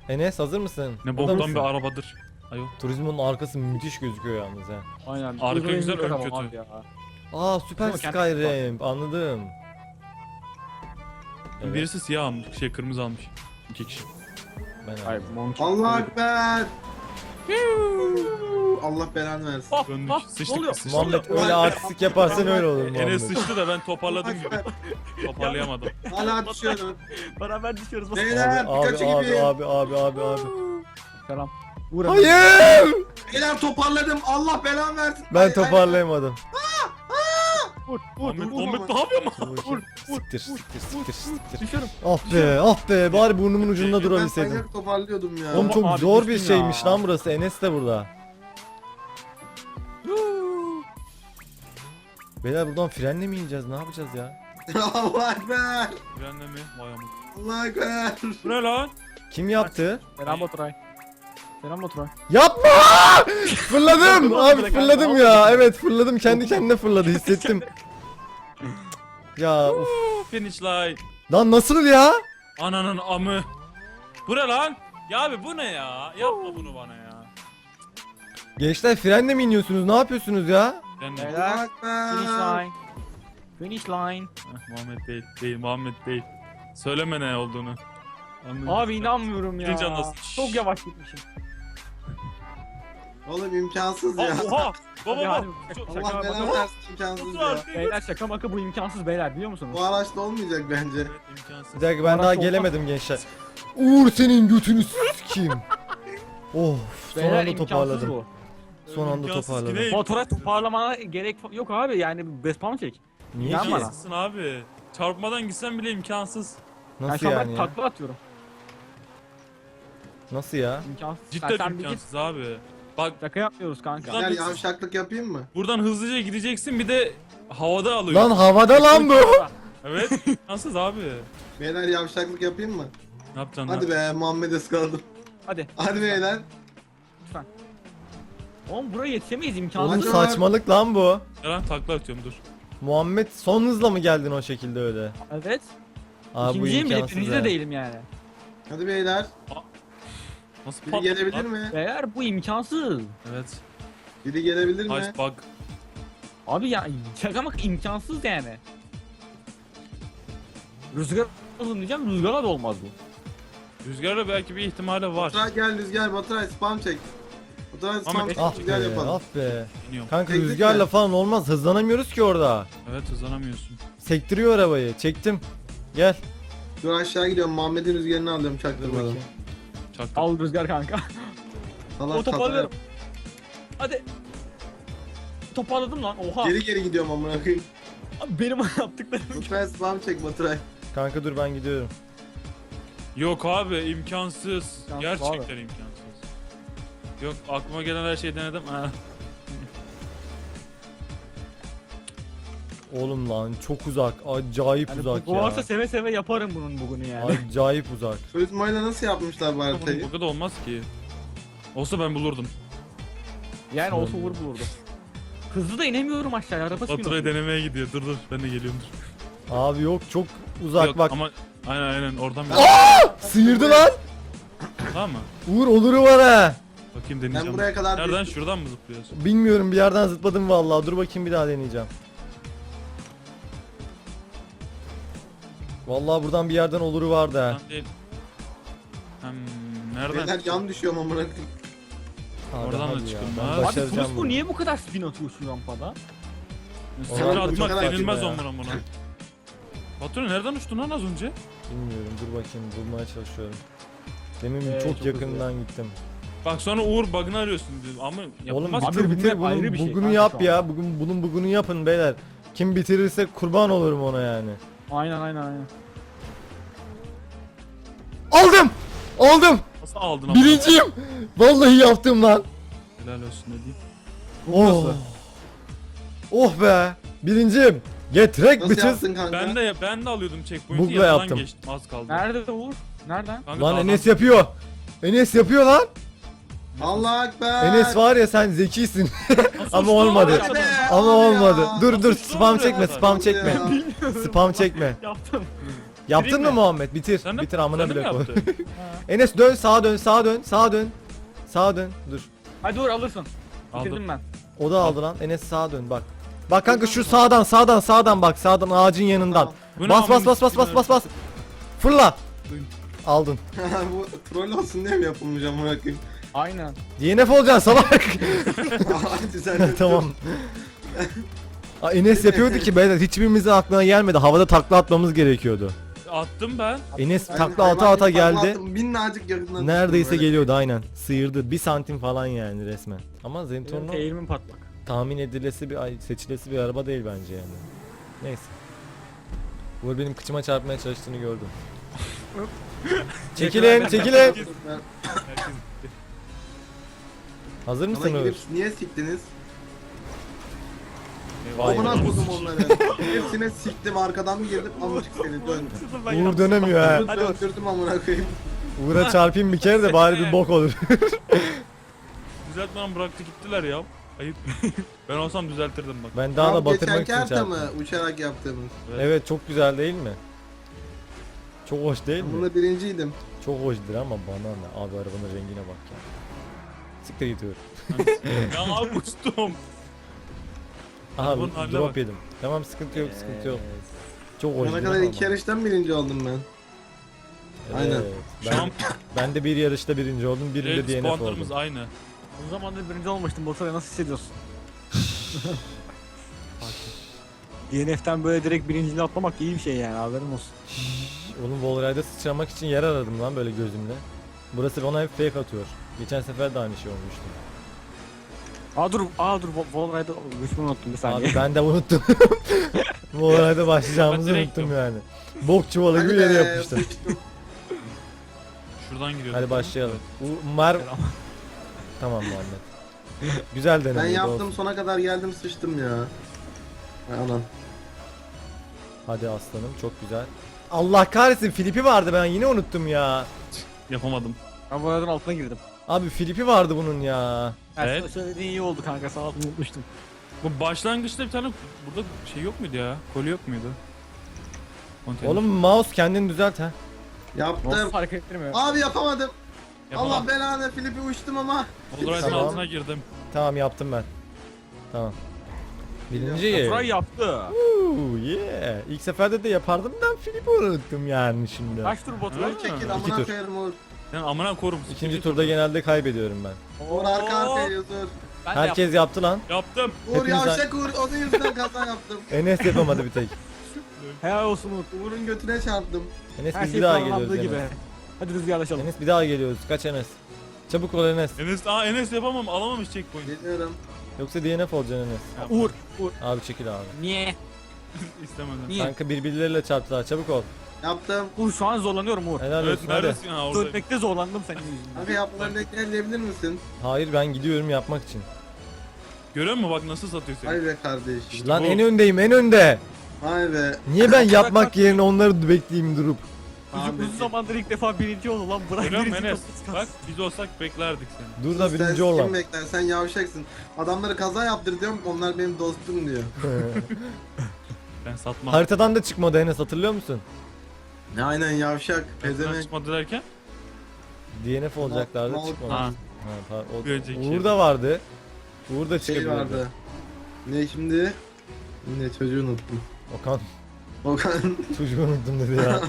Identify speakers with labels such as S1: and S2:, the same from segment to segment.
S1: Enes hazır mısın?
S2: Ne
S1: Burada
S2: boktan
S1: mısın?
S2: bir arabadır. Ayol.
S1: Turizmin arkası müthiş gözüküyor yalnız ha.
S3: Aynen.
S2: Arka
S3: Uzun
S2: güzel,
S3: yolculuk
S2: ön
S3: tamam
S2: kötü.
S3: abi ya.
S1: Aa süper
S3: Ama kendi
S1: Skyrim anladım. Evet,
S2: Birisi siyah almış, kırmızı almış. 2 kişi.
S1: ben
S3: Hayır,
S1: anladım.
S3: Monkey.
S4: Allah ekber. Allah belanı versin.
S2: Döndük.
S3: Ne
S2: Sıçtık
S3: oluyor?
S2: biz, sıçtık.
S1: Muhammed öyle artistik yaparsan öyle olur Muhammed.
S2: Enes sıçtı da ben toparladım
S4: Allah
S2: gibi.
S4: ekber.
S2: Toparlayamadım.
S4: Hala düşüyorum.
S3: Beraber düşüyoruz.
S4: Beyler
S1: Abi
S4: Pikachu
S1: abi
S4: gibi.
S1: abi.
S3: Selam. Vur
S1: Hayır!
S4: Beyler toparladım. Allah belanı versin.
S1: Ben toparlayamadım.
S3: Vur
S2: Muhammed ne yapıyor mu?
S1: Siktir.
S3: Düşüyorum.
S1: Ah be bari burnumun ucunda
S4: Ben
S1: durabilseydim.
S4: manyak toparlıyordum ya.
S1: Oğlum çok
S3: Abi
S1: zor bir
S3: düştüm ya.
S1: şeymiş lan burası. Enes de burada. Beyler buradan frenle mi ineceğiz? Ne yapacağız ya?
S4: Allah ekber.
S2: Frenle mi? Vay amık.
S4: Allah ekber.
S2: Bu ne lan?
S1: Kim yaptı?
S3: Selam Baturay. Selam Baturay.
S1: Yapma! Fırladım! Abi fırladım ya. Evet fırladım. Kendi kendine fırladı. Hissettim. Ya uf.
S2: Finish line.
S1: Lan nasıl ya?
S2: Ananın amı. Bu ne lan? Ya abi bu ne ya? Yapma bunu bana ya.
S1: Gençler frenle mi iniyorsunuz? Ne yapıyorsunuz ya?
S2: Frenle.
S3: Beyler.
S4: Allah
S3: Finish
S4: ekber.
S3: line. Finish line.
S2: Muhammed değil. Değil Muhammed değil. Söyleme ne olduğunu. Anladın
S3: Abi
S2: mı?
S3: inanmıyorum ya.
S2: Birinci anlasın.
S3: Çok yavaş gitmişim.
S4: Oğlum imkansız ya.
S2: Oha! Baba
S3: Hadi,
S2: bak.
S3: hadi.
S2: Çok-
S3: Şaka
S4: Allah belanı
S3: yapma.
S4: versin imkansız
S2: Otur
S4: ya.
S2: artık.
S3: Beyler şaka maka bu imkansız beyler biliyor musunuz?
S4: Bu araçta olmayacak bence.
S2: Evet, imkansız.
S1: Bir dakika ben daha
S3: Araç
S1: gelemedim gençler. Uğur senin götünü sikeyim. Of son
S3: Beyler
S1: anda
S3: imkansız
S1: toparladım.
S3: bu.
S1: Son anda
S2: İmkansız
S1: toparladım.
S2: ki ne?
S3: Baturay toparlamana gerek yok abi yani best çek.
S1: Niye
S3: İnan
S1: ki?
S3: bana.
S2: İmkansızsın abi. Çarpmadan gitsen bile imkansız.
S3: Ben
S1: Nasıl
S3: şu an
S1: yani
S3: ben
S1: ya?
S3: takla atıyorum.
S1: Nasıl ya?
S3: İmkansız.
S2: Cidden
S3: Sen bir git.
S2: imkansız abi. Bak
S3: Şaka yapmıyoruz kanka.
S2: Lan-
S4: Gel yavşaklık yapayım mı?
S2: buradan hızlıca gideceksin bir de havada alıyor.
S1: Lan havada lan bu.
S2: Evet imkansız abi.
S4: Beyler yavşaklık yapayım mı?
S2: Ne yapacaksın
S4: Hadi
S2: lan?
S4: be Muhammed ıskaladım.
S3: Hadi.
S4: Hadi beyler.
S3: Lütfen. Oğlum buraya yetişemeyiz
S1: Oğlum
S3: imkansız.
S4: Hadi.
S1: saçmalık lan bu.
S2: Ya lan takla atıyorum dur.
S1: Muhammed son hızla mı geldin o şekilde öyle?
S3: Evet.
S1: Aa bu
S3: İkinciyim bile
S1: imkansız
S3: birinci
S1: ya.
S3: de değilim yani.
S4: Hadi beyler.
S2: Nasıl
S4: Biri
S2: pat-
S4: gelebilir
S2: lan?
S4: mi?
S3: Beyler bu imkansız.
S2: Evet.
S4: Biri gelebilir mi?
S2: Ice bug.
S3: Abi ya şaka maka imkansız yani. Rüzgar olsun diyeceğim rüzgara da olmaz bu.
S2: Rüzgarla belki bir ihtimali var.
S4: Baturay gel Rüzgar Baturay spam çek. Baturay spam
S2: Ahmet,
S4: çek
S1: Ah
S4: Rüzgar
S1: be,
S4: yapalım.
S1: ah be.
S2: İniyorum.
S1: Kanka
S4: Teknik
S1: rüzgarla
S4: mi?
S1: falan olmaz. Hızlanamıyoruz ki orada.
S2: Evet hızlanamıyorsun.
S1: Sektiriyor arabayı. Çektim. Gel.
S4: Dur aşağı gidiyorum Muhammed'in rüzgarını alıyorum
S1: Dur
S4: çaktırmadan.
S1: bakayım.
S2: Çaktım.
S3: Al rüzgar kanka.
S4: Allah
S3: O toparlıyorum. Hadi. Toparladım lan oha.
S4: Geri geri gidiyorum amına koyayım.
S3: Abi benim yaptıklarım.
S4: Baturay spam çek Baturay.
S1: Kanka dur ben gidiyorum.
S2: Yok abi imkansız.
S3: İmkansız
S2: Gerçekten imkansız. Yok aklıma gelen her şeyi denedim. Ha.
S1: Oğlum lan çok uzak. Acayip
S3: Yani
S1: uzak
S3: bu
S1: ya.
S3: varsa seve seve yaparım bunun bugünü yani.
S1: Acayip uzak.
S4: Turizmoyla nasıl yapmışlar bu haritayı?
S2: Bu kadar olmaz ki. Olsa ben bulurdum.
S3: Yani olsa vur bulurdu. Hızlı da inemiyorum aşağıya araba
S2: Baturay
S3: sürüyor.
S2: denemeye gidiyor. Dur ben de geliyorum dur.
S1: Abi yok çok uzak
S2: Yok,
S1: bak.
S2: ama aynen oradan bir
S1: Sıyırdı lan.
S2: tamam mı?
S1: Uğur oluru var ha.
S2: Bakayım
S4: Ben
S2: deneyeceğim.
S4: buraya kadar
S2: Nereden
S4: düştüm.
S2: şuradan mı zıplıyorsun?
S1: Bilmiyorum bir yerden zıpladım vallahi. Dur bakayım bir daha deneyeceğim. Vallahi buradan bir yerden oluru vardı ha.
S2: Oradan değil. Nereden?
S4: Beyler yan düşüyorum amına koyayım.
S1: Abi
S2: Oradan da
S1: hadi ya,
S2: çıkılmaz.
S1: ben
S2: Abi
S3: Abi
S1: başaracağım
S3: Turist bu
S1: bunu.
S3: niye bu kadar spin atıyor şu rampada?
S2: Sıfır
S1: Oradan
S2: atmak
S4: uçarak
S2: denilmez
S1: ya.
S2: onlara buna. Baturay nereden uçtun lan az önce?
S1: Bilmiyorum dur bakayım bulmaya çalışıyorum. Demin
S3: Çok
S1: çok
S3: hızlı.
S1: yakından gittim.
S2: Bak sonra Uğur bug'ını arıyorsun diyor ama
S1: Oğlum
S2: yapılmaz.
S3: Abi
S1: bitir
S3: bunlar ayrı
S1: bunun
S3: bir şey
S1: bugünü
S3: kanka
S1: yap
S3: şu
S1: ya.
S3: anda.
S1: Bunun bugünü yapın beyler. Kim bitirirse kurban olurum ona yani.
S3: Aynen.
S1: Aldım! Aldım!
S2: Nasıl aldın ama?
S1: Birinciyim! Vallahi yaptım lan.
S2: Helal olsun ne diyeyim.
S1: Oh. Oh be! Birinciyim. Getrek
S4: Nasıl
S1: bitches.
S4: yaptın kanka?
S2: Ben de alıyordum checkpoint'i
S1: Bug'la
S2: yanından
S1: yaptım.
S2: geçtim az kaldı.
S3: Nerede Uğur? Nereden?
S2: Kanka
S1: Lan
S2: dağdan-
S1: Enes yapıyor. Enes yapıyor lan.
S4: Allah ekber.
S1: Enes var ya sen zekisin.
S2: Nasıl
S1: Ama
S2: uçtu
S1: olmadı.
S2: lan?
S4: Hadi.
S1: Ama
S4: Hadi ya.
S1: olmadı. Dur
S2: Nasıl
S1: dur
S2: uçtu
S1: spam
S2: oraya
S1: çekme
S2: kadar?
S1: spam çekme.
S4: Ya.
S1: Spam çekme.
S3: Yaptım.
S1: Yaptın
S2: Bitireyim
S1: mı
S2: mi?
S1: Muhammed? Bitir.
S2: Sen de-
S1: Bitir amına
S2: sen de mi
S1: bile koy.
S2: yaptın?
S1: Enes dön sağa dön sağa dön sağa dön. Sağa dön. Dur.
S3: Hadi dur alırsın.
S2: Aldım.
S3: Bitirdim ben.
S1: O da aldı lan. Enes sağa dön bak. Bak kanka şu sağdan bak sağdan ağacın yanından.
S2: Bu ne
S1: Bas bas
S2: amına
S1: bas bas bas bas bas. Fırla. Aldın.
S4: Bu troll olsun diye mi yapılmış amına koyayım?
S3: Aynen.
S1: DNF olacaksın salak.
S4: Hadi sen de
S1: Tamam. Aa, Enes yapıyordu ki beyler hiçbirimizin aklına gelmedi. Havada takla atmamız gerekiyordu.
S2: Attım ben.
S1: Enes
S4: Ben
S1: takla
S4: hayvan
S1: ata ata
S4: gibi takla
S1: geldi.
S4: attım, minnacık yakından
S1: Neredeyse
S4: düştüm böyle.
S1: geliyordu aynen. Sıyırdı. 1 santim falan yani resmen. Ama Zentorno
S3: Eğilimin patlak.
S1: tahmin edilesi seçilesi bir araba değil bence yani. Neyse. Uğur benim kıçıma çarpmaya çalıştığını gördüm. çekilin, çekilin.
S2: Herkes-
S1: Hazır
S4: Bana
S1: mısın Uğur?
S4: gidip niye siktiniz?
S2: Vay
S4: Amına
S2: be.
S4: kodum onları. Hepsine siktim arkadan bir girdim amcık seni dön.
S1: Uğur dönemiyor ha.
S4: Hadi öldürdüm amına koyayım.
S1: Uğur'a çarpayım bir kere de bari bir bok olur.
S2: Düzeltmeden bıraktı gittiler ya. Ayıp. Ben olsam düzeltirdim bak.
S1: Ben daha da
S4: Tam
S1: batırmak
S4: geçenki
S1: için
S4: harita mı
S1: çarptım.
S4: uçarak yaptığımız?
S1: Evet çok güzel değil mi? Çok hoş değil
S4: Ben
S1: mi?
S4: bunda birinciydim.
S1: Çok hoşdur ama bana ne? Abi arabanın rengine bak ya. Siktir gidiyor.
S2: Ya abi uçtum.
S1: Aha
S2: Arabanın haline
S1: drop
S2: bak.
S1: yedim. Tamam sıkıntı yok sıkıntı yok. Çok hoş
S4: Buna
S1: değil
S4: kadar
S1: mi
S4: iki
S1: ama?
S4: yarıştan birinci oldum ben. Aynen.
S1: Evet,
S2: Şu
S1: ben,
S2: an
S1: ben de bir yarışta birinci oldum, birinde DNF
S2: puanlarımız
S1: oldum.
S2: aynı.
S3: O zamandır birinci olmuştum. Borsada nasıl hissediyorsun? DNF'ten böyle direkt birinciliğe atlamak iyi bir şey yani haberin olsun.
S1: Oğlum Wallride'da sıçramak için yer aradım lan böyle gözümle. Burası bana hep fake atıyor. Geçen sefer de aynı şey olmuştu.
S3: Dur Wallride'ı düşmanı unuttum bir saniye.
S1: Abi ben de unuttum. Wallride'da başlayacağımızı
S2: Ben direkt
S1: unuttum yani. Bok çuvalı gibi
S4: Hadi
S1: yere
S4: be,
S1: yapmıştım.
S4: sıçtım.
S2: Şuradan giriyoruz.
S1: Hadi başlayalım. Tamam Muhammed. Güzel deneme.
S4: Ben yaptım sona kadar geldim sıçtım ya. Ay anam.
S1: Hadi aslanım çok güzel. Allah kahretsin Filip'i vardı ben yine unuttum ya.
S2: Yapamadım.
S3: Ben Wallride'ın altına girdim.
S1: Abi Filip'i vardı bunun ya.
S2: Evet.
S3: Evet. Söylediğin iyi oldu kanka sağ ol unutmuştum.
S2: Bu başlangıçta bir tane burada şey yok muydu ya? Koli yok muydu? Konteyner.
S1: Oğlum mouse kendini düzelt ha.
S4: Yaptım.
S3: Nasıl fark ettirmiyor?
S4: Abi yapamadım.
S2: Yapamam.
S4: Allah belanı Filip'i uçtum ama.
S2: Wallride'ın
S1: Tamam.
S2: altına girdim.
S1: Tamam yaptım ben. Tamam. Birinci.
S3: Baturay yaptı.
S1: Yeah. İlk seferde de yapardım da Filip'i unuttum yani şimdi.
S3: Kaç tur Baturay?
S2: Ha.
S4: Çekil
S1: İki
S4: amına
S1: tur.
S4: koyarım Uğur.
S2: Sen amına korum.
S1: İkinci turda genelde kaybediyorum ben.
S4: Uğur arka arkaya yazıyor.
S3: Ben de
S1: Herkes yaptı lan.
S2: Yaptım.
S4: Uğur
S1: Hepiniz-
S4: yavşak Uğur onun yüzünden kaza yaptım.
S1: Enes yapamadı bir tek.
S3: yaptım. Helal olsun Umut.
S4: Uğur'un götüne çarptım.
S1: Enes
S3: Her
S1: biz
S3: şey
S1: bir daha
S3: planlandığı
S1: geliyoruz
S3: gibi.
S1: Enes.
S3: Hadi rüzgarlaşalım.
S1: Enes bir daha geliyoruz. Kaç Enes? Çabuk ol Enes.
S2: Enes yapamam. Alamamış checkpoint.
S4: Geliyorum.
S1: Yoksa DNF olacaksın Enes.
S3: Uğur. Uğur.
S1: Abi çekil abi.
S3: Niye?
S2: İstemedim.
S3: Niye?
S1: Kanka birbirleriyle çarptılar. Çabuk ol.
S4: Yaptım.
S3: Uğur şu an zorlanıyorum Uğur.
S1: Helal
S2: Evet
S1: olsun hadi.
S2: neredesin? Ha orada.
S3: Dönmekte zorlandım senin yüzünden.
S4: Abi yaptıklarını ekleyebilir misin?
S1: Hayır ben gidiyorum yapmak için.
S2: Görüyor musun bak nasıl satıyor seni?
S4: Hay be kardeşim.
S1: Lan
S2: bu.
S1: en öndeyim en önde.
S4: Hay be.
S1: Niye ben yapmak yerine onları bekleyeyim durup.
S3: Çocuk
S4: Ahmet.
S3: uzun zamandır ilk defa birinci oldu lan. Bırak
S2: Görüyor musun
S3: birinci
S2: Enes?
S3: kapısı
S2: Bak
S3: kalsın.
S2: biz olsak beklerdik seni.
S1: Dur da
S4: Sen
S1: birinci
S4: kim
S1: olan.
S4: bekler? Sen yavşaksın. Adamları kaza yaptır diyorum. Onlar benim dostum diyor.
S2: Ben satmam.
S1: Haritadan da çıkmadı Enes hatırlıyor musun?
S4: Ne aynen yavşak.
S2: Pezemek.
S4: Pezemek.
S2: Çıkmadı derken?
S1: DNF olacaklardı
S4: Mal-
S1: çıkmadı.
S2: Ha.
S1: Ha,
S2: Bir önceki
S1: Uğur
S2: şey.
S1: da vardı. Uğur da
S4: Şey
S1: çıkabilirdi.
S4: vardı. Ne şimdi? Yine çocuğu unuttum.
S1: Okan
S4: Okan.
S1: çocuğu unuttum dedi ya.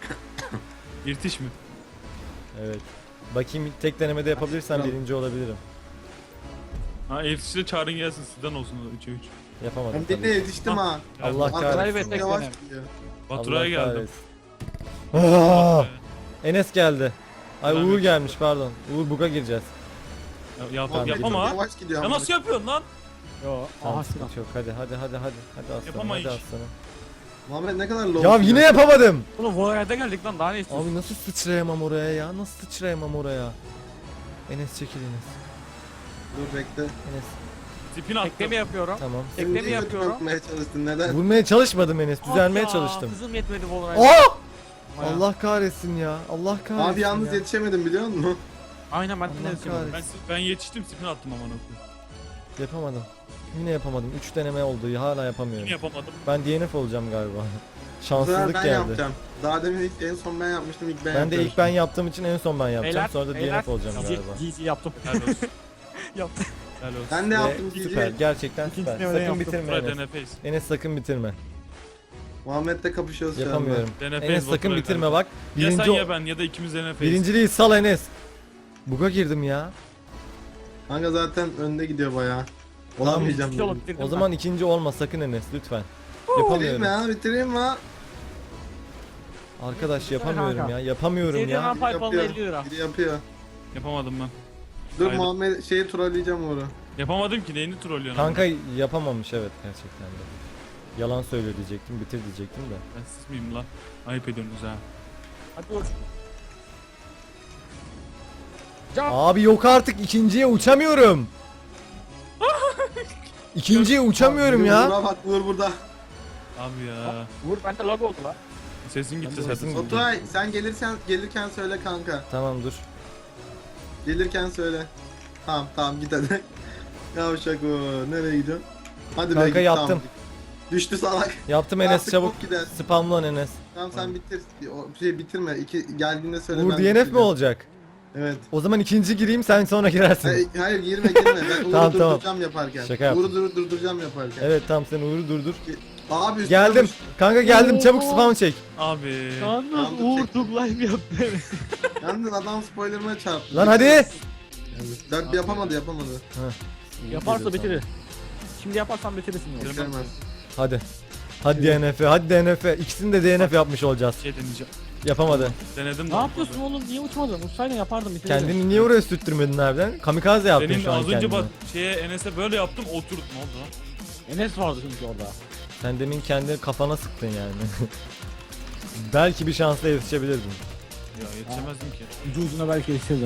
S2: İrtiş mi?
S1: Evet. Bakayım tek denemede yapabilirsem
S4: Tamam.
S1: birinci olabilirim.
S2: Ha irtişle çağırın gelsin sizden olsun 3'e 3.
S1: Yapamadım
S4: Ben
S1: tabii.
S4: birine yetiştim ha.
S1: Allah
S3: Baturay
S1: kahretsin.
S3: ve tek
S4: Yavaş
S3: denem.
S4: gidiyor.
S2: Baturay'a
S1: Allah
S2: geldim.
S1: kahretsin. Aa! Enes geldi. Ay
S2: Ulan
S1: Uğur
S2: bir-
S1: gelmiş pardon. Uğur buga gireceğiz.
S2: Yap
S4: Çok
S2: ama.
S4: Yavaş gidiyor.
S2: Ya
S4: ama.
S2: nasıl yapıyorsun lan?
S3: Yo.
S1: Tamam
S3: Aha
S1: sıkıntı yok. Hadi aslanım.
S2: Yapamayız.
S1: Hadi aslanım.
S4: Muhammed ne kadar low.
S1: Ya yine yapamadım.
S3: Oğlum Wallride'a geldik lan daha ne istiyorsun?
S1: Abi nasıl sıçrayamam oraya ya? Nasıl sıçrayamam oraya? Enes çekil Enes.
S4: Dur bekle.
S1: Enes
S2: Tipini attım.
S3: Tekne mi yapıyorum?
S1: tamam.
S3: Tekne mi
S4: Şimdi
S3: yapıyorum?
S4: yapmaya çalıştın neden?
S1: Vurmaya çalışmadım Enes. Düzelmeye
S3: Ah ya,
S1: çalıştım.
S3: Hızım yetmedi Wallride'a.
S1: Aa!
S3: Bayağı.
S1: Allah kahretsin ya. Allah kahretsin
S4: Abi yalnız
S1: ya.
S4: yetişemedim biliyor musun?
S3: Aynen ben de
S1: Allah
S3: yetişemedim.
S1: kahretsin.
S2: Ben yetiştim tipini attım aman okuyum.
S1: Yapamadım. Yine yapamadım. 3 deneme oldu. Hala yapamıyorum.
S2: Yine yapamadım.
S1: Ben DNF olacağım galiba.
S4: Bu sefer
S1: Şanssızlık
S4: ben
S1: geldi.
S4: yapacağım. Daha demin en son ben yapmıştım, ilk ben
S1: Ben de ilk ben yaptığım için en son ben yapacağım.
S3: Beyler,
S1: Sonra da
S3: beyler.
S1: DNF olacağım galiba.
S3: GG yaptım.
S2: Helal olsun.
S3: Yaptım.
S2: Helal olsun.
S4: Ben de
S1: Ve
S4: yaptım
S1: süper,
S4: GG.
S1: gerçekten
S3: İkincisini
S1: süper.
S3: ben
S1: Sakın
S3: yaptım.
S1: bitirme
S2: Burak
S1: Enes.
S2: DNF'yiz.
S1: Enes sakın bitirme.
S4: Muhammed'le kapışıyoruz şu anda.
S1: Yapamıyorum.
S2: DNF'yiz
S1: Enes sakın
S2: Baturay
S1: bitirme
S2: kardeşim.
S1: bak.
S2: Ya sen
S1: Birinci
S2: ya ben ya da ikimiz DNF'yiz.
S1: birinciliği sal Enes. Buga girdim ya.
S4: Kanka zaten önde gidiyor bayağı. Olamayacağım.
S3: İki yolu
S4: dedim.
S3: bitirdim
S1: O zaman ikinci olma sakın Enes lütfen.
S4: Bitireyim mi
S1: Yapamıyorum.
S4: ya? Bitireyim mi?
S1: Arkadaş yapamıyorum
S3: kanka.
S1: ya. Yapamıyorum
S3: Sevdiğin
S1: ya.
S3: an- Pipe alma 50 lira.
S4: Biri yapıyor.
S2: Yapamadım ben.
S4: Dur
S2: Haydi.
S4: Muhammed şeyi trolleyeceğim onu.
S2: Yapamadım ki neyini trollüyorsun?
S1: Kanka yapamamış evet gerçekten de. Yalan söyle diyecektim, bitir diyecektim de.
S2: Ben siz miyim lan? Ayıp ediyorsunuz ha.
S3: Hadi vur.
S1: Abi yok artık ikinciye uçamıyorum. İkinciye uçamıyorum ya.
S4: Vura bak, vur burada.
S2: Abi ya.
S3: Vur bende lag oldu lan.
S2: Sesin gitti
S1: Ben de
S2: zaten.
S1: sesim-
S4: Oturay sen gelirken söyle kanka.
S1: Tamam dur.
S4: Gelirken söyle. Tamam git hadi. Yavşak o. Nereye gidiyorsun? Hadi
S1: Kanka
S4: git,
S1: yaptım.
S4: Tamam. Düştü salak.
S1: Yaptım Enes
S4: Artık
S1: çabuk.
S4: bok gider.
S1: Spamlan Enes.
S4: Tamam sen bitir. O şey bitirme. Geldiğinde söyle.
S1: Uğur
S4: ben
S1: DNF mi
S4: bitireceğim.
S1: olacak?
S4: Evet.
S1: O zaman ikinci gireyim sen sonra girersin.
S4: Hayır girme. Ben Uğur'u
S1: Tamam,
S4: durduracağım yaparken.
S1: Şaka yaptım.
S4: Uğur'u durduracağım yaparken.
S1: Evet tamam sen Uğur'u durdur.
S4: Abi üstüne
S1: Geldim.
S4: vur.
S1: Kanka geldim çabuk spam çek.
S2: Abi.
S3: Yalnız
S4: Tamam, dur,
S3: Uğur
S4: çek.
S3: Tug live yaptı.
S4: Yalnız adam spoilerıma çarptı.
S1: Lan hadi.
S4: Dört yapamadı.
S3: Yaparsa bitirir. Şimdi yaparsan bitirirsin. ya.
S4: Bitiremez.
S1: Hadi. Hadi DNF, hadi DNF. İkisini de DNF yapmış olacağız.
S2: Şey deneyeceğim.
S1: Yapamadı.
S2: Denedim de
S3: Ne
S2: olmadı.
S3: yapıyorsun oğlum? Niye uçmadın? Uçsaydın yapardım bitirirdin.
S1: Kendini niye oraya sürttürmedin harbiden? Kamikaze yaptın
S2: Senin
S1: şu an
S2: az önce
S1: kendini.
S2: bak şeye Enes'e böyle yaptım oturt ne oldu lan?
S3: Enes vardı çünkü orada.
S1: Sen demin kendi kafana sıktın yani. Belki bir şansla yetişebilirdin.
S2: Ya yetişemezdim ki.
S3: Ucu ucuna belki yetişirdin.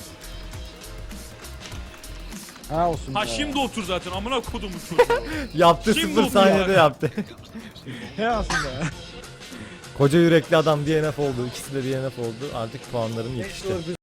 S3: Ha olsun.
S2: Ha
S3: be.
S2: şimdi otur zaten amına kodum çocuğu.
S1: Yaptı
S2: Şimdi
S1: 0
S2: oldu
S1: saniyede
S2: ya.
S1: yaptı.
S3: He aslında.
S1: Koca yürekli adam DNF oldu. İkisi de DNF oldu. Artık puanlarım yetişti.